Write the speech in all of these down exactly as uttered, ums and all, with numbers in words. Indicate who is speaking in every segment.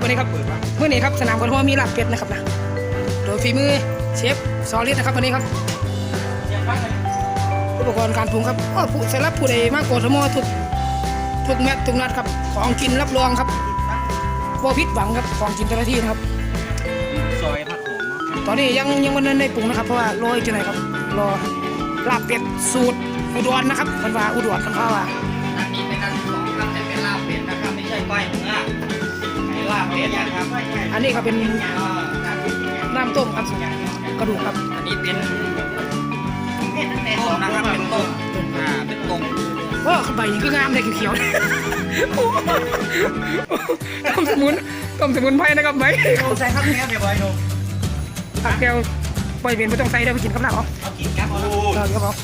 Speaker 1: วันนี้ครับเมื่อนี้ครับสนามกอล์ฟมีลาบเป็ดนะครับนะโดยฝีมือเชฟซอลิสนะครับวันนี้ครับอุปกรณ์การปรุงครับก็ผู้สำหรับผู้ใดมากกว่าทั้งหมดทุกทุกแมตช์ทุกนัดครับของกินรับรองครับบ่ผิดหวังครับของกินแต่ละที่นะครับ
Speaker 2: ซอยผักโขม
Speaker 1: ตอนนี้ยังยังวันนั้นได้ปรุงนะครับเพราะว่ารออีกจังไหนครับรอลาบเป็ดสูตรอุดรนะครับคันว่าอุดรคันว่าว่า
Speaker 2: อันนี้เป็นอันที่สองครับแต่เป็นลาบเป็ดนะครับไม่ใช่ก้อยเนื้อเป็นลาบเป็ดนะครับ
Speaker 1: อันนี้ก็เป็นน้ำต้มครับกระดูกครับ
Speaker 2: อันนี้เป็นต้มนะครับเป็นต้มอ่าเป็นต้ม
Speaker 1: โอ้ใบนี้ก็งามเลยเขียวๆ ต้มสมุนต้มสมุนไพรนะครับใบ
Speaker 2: ใส่ข้าวเหนียวเดี๋ยวบอยดู
Speaker 1: ผักแก้วปล่อยเป็นไม่ต้องใส่ได้ไปกินกับน้ำเอา
Speaker 2: เอากินครับเอา
Speaker 1: เออครับผม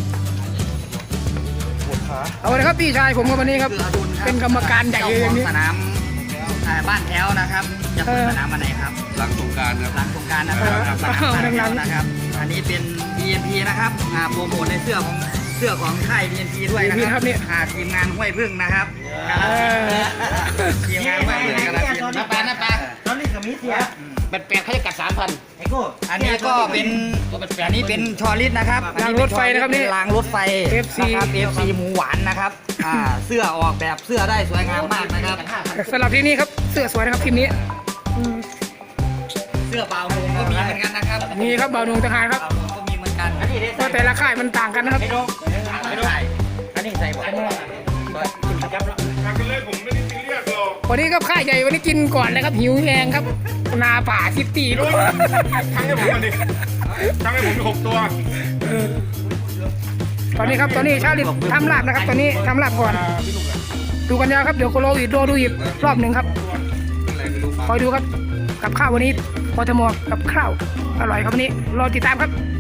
Speaker 1: เอาเลยครับพี่ชายผมกับวันนี้ครับเป็นกรรมการใหญ่เลยอย่างนี้
Speaker 2: สนามบ้านแถวนะครับจะเปิดสนามวันไหนครับ
Speaker 3: หลังสงกรานต์ครับ
Speaker 2: หลังสงกรานต์นะครับสนามบ้านแถวนะครับ อันนี้เป็น บี เอ็ม พี นะครับอ่าโปรโมทในเสื้อของเสื้อของค่าย บี เอ็ม พี ด้วยนะครับอ่าทีมงานห้วยพึ่งนะครับทีมงานห้วยพึ่งกาฬสินธุ์น้าปลาน้าปลา
Speaker 4: ตอนนี้ก็มีเสีย
Speaker 3: เป็นแปดเขาจะกัดสามพัน
Speaker 4: ไอ้กู
Speaker 2: อันนี้ก็เป็นอันนี้เป็นชอลิสนะครับ
Speaker 1: รางรถไฟนะครับนี่
Speaker 2: รางรถไฟ
Speaker 1: เอฟซี
Speaker 2: นะครับ เอฟ ซี หมูหวานนะครับอ่าเสื้อออกแบบเสื้อได้สวยงามมากนะครับ
Speaker 1: สำหรับที่นี่ครับเสื้อสวยนะครับทีมนี้
Speaker 2: เสื้อเปล่าหงก็มีเหมือนกันนะครับ
Speaker 1: นี่ครับบ่าวหนุ่มทหารครับ
Speaker 2: เปล่าหงก็มีเหมือนกันอันนี้ได้
Speaker 1: ก็แต่ละค่ายมันต่างกันนะครับ
Speaker 2: ไม่รู้ไม่รู้อันนี้ใส่บ่อย
Speaker 1: วันนี้ก็ค่ายใหญ่วันนี้กินก่อนนะครับหิวแหงครับนาป่าซิตี้ด้วย
Speaker 5: ทั้งให้ผมมาดิทั้งให้ผมมีหกตัว
Speaker 1: ตอนนี้ครับตอนนี้ชาลิตทำลาบนะครับ ตอนนี้ทำลาบก่อน ดูกันยาวครับเดี๋ยวโคโลอีกโดดูอีกรอบหนึ่งครับคอยดูครับกับข้าววันนี้พอทมกับข้าวอร่อยครับวันนี้รอติดตามครับ